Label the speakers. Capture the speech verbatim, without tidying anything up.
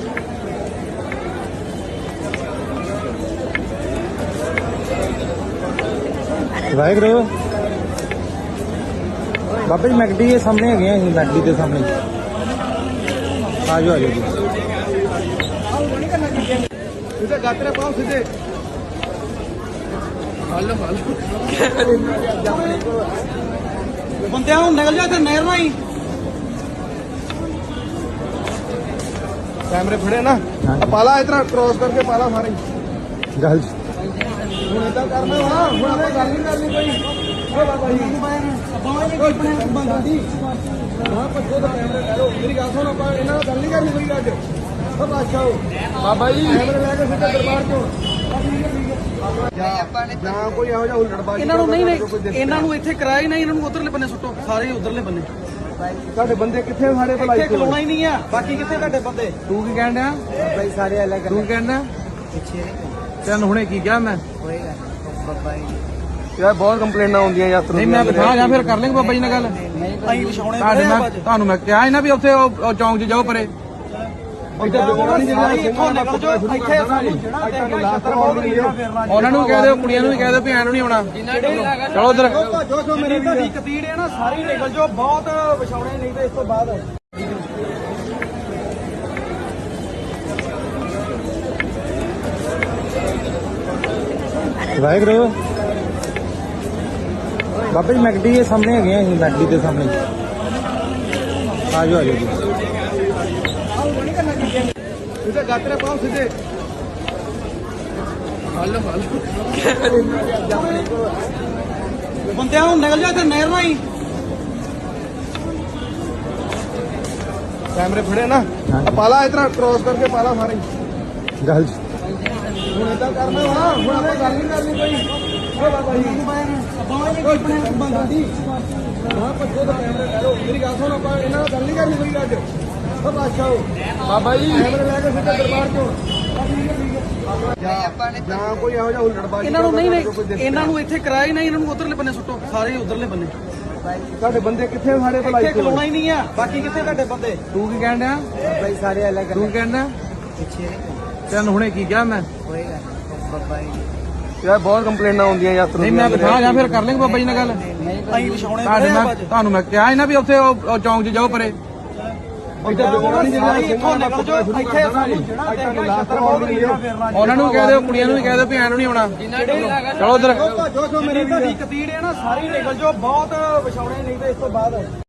Speaker 1: ਵਾਹਿਗੁਰੂ ਬਾਬਾ ਜੀ ਮੈਕਡੀ ਦੇ ਸਾਹਮਣੇ ਹੈਗੇ ਆ ਅਸੀਂ ਮੈਕਡੀ ਦੇ ਸਾਹਮਣੇ ਆਜੋ ਆਜੋ ਜੀ
Speaker 2: सीधे गाते रहे पाँव सीधे बंदे निकल जाते नहर में ही कैमरे फड़े ना पाला इतना क्रॉस करके पाला मारे
Speaker 1: गल
Speaker 2: ਹੁਣ ਇਦਾਂ ਕਰਨਾ ਵਾ ਹੁਣ ਆਪਾਂ ਗੱਲ ਨਹੀਂ ਕਰਨੀ ਕੋਈ ਓ ਬਾਬਾ ਜੀ ਕੋਈ ਬੰਦਾ ਦੀ ਹਾਂ ਪੱਛੋ ਦਾ ਕੈਮਰਾ ਲੈ ਲਓ ਮੇਰੀ ਗੱਲ ਸੁਣ ਆਪਾਂ ਇਹਨਾਂ ਨਾਲ ਗੱਲ ਨਹੀਂ ਕਰਨੀ ਕੋਈ ਅੱਜ ਓ ਬਾਦਸ਼ਾਹ ਬਾਬਾ ਜੀ ਕੈਮਰਾ ਲੈ ਕੇ ਸਿੱਧਾ ਦਰਬਾਰ ਚੋਂ ਜਾਂ ਕੋਈ ਇਹੋ ਜਿਹਾ ਹੁਲੜਬਾਜ਼ੀ
Speaker 3: ਇਹਨਾਂ ਨੂੰ ਨਹੀਂ ਨਹੀਂ ਇਹਨਾਂ ਨੂੰ ਇੱਥੇ ਕਰਾਇਆ ਹੀ ਨਹੀਂ ਇਹਨਾਂ ਨੂੰ ਉਧਰਲੇ ਬੰਨੇ ਸੁੱਟੋ ਸਾਰੇ ਉਧਰਲੇ ਬੰਨੇ
Speaker 2: ਤੁਹਾਡੇ ਬੰਦੇ ਕਿੱਥੇ ਸਾਡੇ ਭਲਾਈ
Speaker 3: ਇੱਥੇ ਖਲੋਣਾ ਹੀ ਨਹੀਂ ਆ ਬਾਕੀ ਕਿੱਥੇ ਤੁਹਾਡੇ ਬੰਦੇ
Speaker 1: ਤੂੰ ਕੀ ਕਹਿਣ ਡਿਆ
Speaker 2: ਭਾਈ ਸਾਰੇ ਅਲੱਗ
Speaker 1: ਤੂੰ ਕਹਿਣ ਡਿਆ ਤੈਨੂੰ ਹੁਣੇ ਕੀ ਕਿਹਾ ਮੈਂ
Speaker 2: ਯਾਰ ਬਹੁਤ ਕੰਪਲੇਨਾਂ ਆਉਂਦੀਆਂ ਯਾਤਰੀ
Speaker 1: ਨਹੀਂ ਮੈਂ ਬਿਠਾ ਜਾਂ ਫਿਰ ਕਰ ਲੈਂਗੇ ਬਾਬਾ ਜੀ ਨਾਲ ਗੱਲ
Speaker 3: ਅਸੀਂ ਵਿਛਾਉਣੇ
Speaker 1: ਤੁਹਾਡੇ ਮੈਂ ਤੁਹਾਨੂੰ ਮੈਂ ਕਿਹਾ ਸੀ ਨਾ ਵੀ ਉੱਥੇ ਉਹ ਚੌਂਕ 'ਚ ਜਾਓ ਪਰੇ ਉਹਨਾਂ ਨੂੰ ਕਹਿ ਦਿਓ ਕੁੜੀਆਂ ਨੂੰ ਵੀ ਕਹਿ ਦਿਓ ਵੀ ਐਨ ਨਹੀਂ ਆਉਣਾ ਚਲੋ ਉਧਰ
Speaker 3: ਮੇਰੀ ਤੁਹਾਡੀ ਕਤੀੜ ਹੈ ਨਾ ਸਾਰੀ ਨਿਕਲ ਜਾਓ ਬਹੁਤ ਵਿਛਾਉਣੇ ਨਹੀਂ ਤੇ ਇਸ ਤੋਂ ਬਾਅਦ
Speaker 1: ਵਾਹਿਗੁਰੂ ਬਾਬਾ ਜੀ ਮੈਕਡੀ ਦੇ ਸਾਹਮਣੇ ਹੈਗੇ ਆ ਅਸੀਂ ਮੈਕਡੀ ਦੇ ਸਾਹਮਣੇ ਆਜੋ ਆਜੋ ਜੀ
Speaker 2: सीधे गाते रहे पाँव सीधे
Speaker 3: ਬੰਦੇ ਨਿਕਲ ਜਾते नहर में ही
Speaker 2: कैमरे फड़े ना पाला इतना क्रॉस करके पाला मारे
Speaker 1: गल
Speaker 2: ਹੁਣ ਇਦਾਂ ਕਰਨਾ ਵਾ ਹੁਣ ਆਪਾਂ ਗੱਲ ਨਹੀਂ ਕਰਨੀ ਕੋਈ ਓ ਬਾਬਾ ਜੀ ਕੋਈ ਬੰਦਾ ਦੀ ਹਾਂ ਪੱਛੋ ਦਾ ਕੈਮਰਾ ਲੈ ਲਓ ਮੇਰੀ ਗੱਲ ਸੁਣ ਆਪਾਂ ਇਹਨਾਂ ਨਾਲ ਗੱਲ ਨਹੀਂ ਕਰਨੀ ਕੋਈ ਅੱਜ ਓ ਬਾਦਸ਼ਾਹ ਬਾਬਾ ਜੀ ਕੈਮਰਾ ਲੈ ਕੇ ਸਿੱਧਾ ਦਰਬਾਰ ਚੋਂ ਜਾਂ ਕੋਈ ਇਹੋ ਜਿਹਾ ਹੁਲੜਬਾਜ਼ੀ
Speaker 3: ਇਹਨਾਂ ਨੂੰ ਨਹੀਂ ਨਹੀਂ ਇਹਨਾਂ ਨੂੰ ਇੱਥੇ ਕਰਾਇਆ ਹੀ ਨਹੀਂ ਇਹਨਾਂ ਨੂੰ ਉਧਰਲੇ ਬੰਨੇ ਸੁੱਟੋ ਸਾਰੇ ਉਧਰਲੇ ਬੰਨੇ
Speaker 2: ਤੁਹਾਡੇ ਬੰਦੇ ਕਿੱਥੇ ਸਾਡੇ ਭਲਾਈ
Speaker 3: ਇੱਥੇ ਖਲੋਣਾ ਹੀ ਨਹੀਂ ਆ ਬਾਕੀ ਕਿੱਥੇ ਤੁਹਾਡੇ ਬੰਦੇ
Speaker 1: ਤੂੰ ਕੀ ਕਹਿਣ ਡਿਆ
Speaker 2: ਭਾਈ ਸਾਰੇ ਅਲੱਗ
Speaker 1: ਤੂੰ ਕਹਿਣ ਡਿਆ ਤੈਨੂੰ ਹੁਣੇ ਕੀ ਕਿਹਾ ਮੈਂ
Speaker 2: ਯਾਰ ਬਹੁਤ ਕੰਪਲੇਨਾਂ ਆਉਂਦੀਆਂ ਯਾਤਰੀ
Speaker 1: ਨਹੀਂ ਮੈਂ ਬਿਠਾ ਜਾਂ ਫਿਰ ਕਰ ਲੈਂਗੇ ਬਾਬਾ ਜੀ ਨਾਲ ਗੱਲ
Speaker 3: ਅਸੀਂ ਵਿਛਾਉਣੇ
Speaker 1: ਤੁਹਾਡੇ ਮੈਂ ਤੁਹਾਨੂੰ ਮੈਂ ਕਿਹਾ ਸੀ ਨਾ ਵੀ ਉੱਥੇ ਉਹ ਚੌਂਕ 'ਚ ਜਾਓ ਪਰੇ
Speaker 3: ਇੱਥੋਂ ਨਿਕਲ ਜਾਓ ਇੱਥੇ ਸਾਨੂੰ
Speaker 1: ਉਹਨਾਂ ਨੂੰ ਕਹਿ ਦਿਓ ਕੁੜੀਆਂ ਨੂੰ ਵੀ ਕਹਿ ਦਿਓ ਵੀ ਐਨ ਨਹੀਂ ਆਉਣਾ ਚਲੋ ਉਧਰ
Speaker 3: ਮੇਰੀ ਤੁਹਾਡੀ ਕਤੀੜ ਹੈ ਨਾ ਸਾਰੀ ਨਿਕਲ ਜਾਓ ਬਹੁਤ ਵਿਛਾਉਣੇ ਨਹੀਂ ਤੇ ਇਸ ਤੋਂ ਬਾਅਦ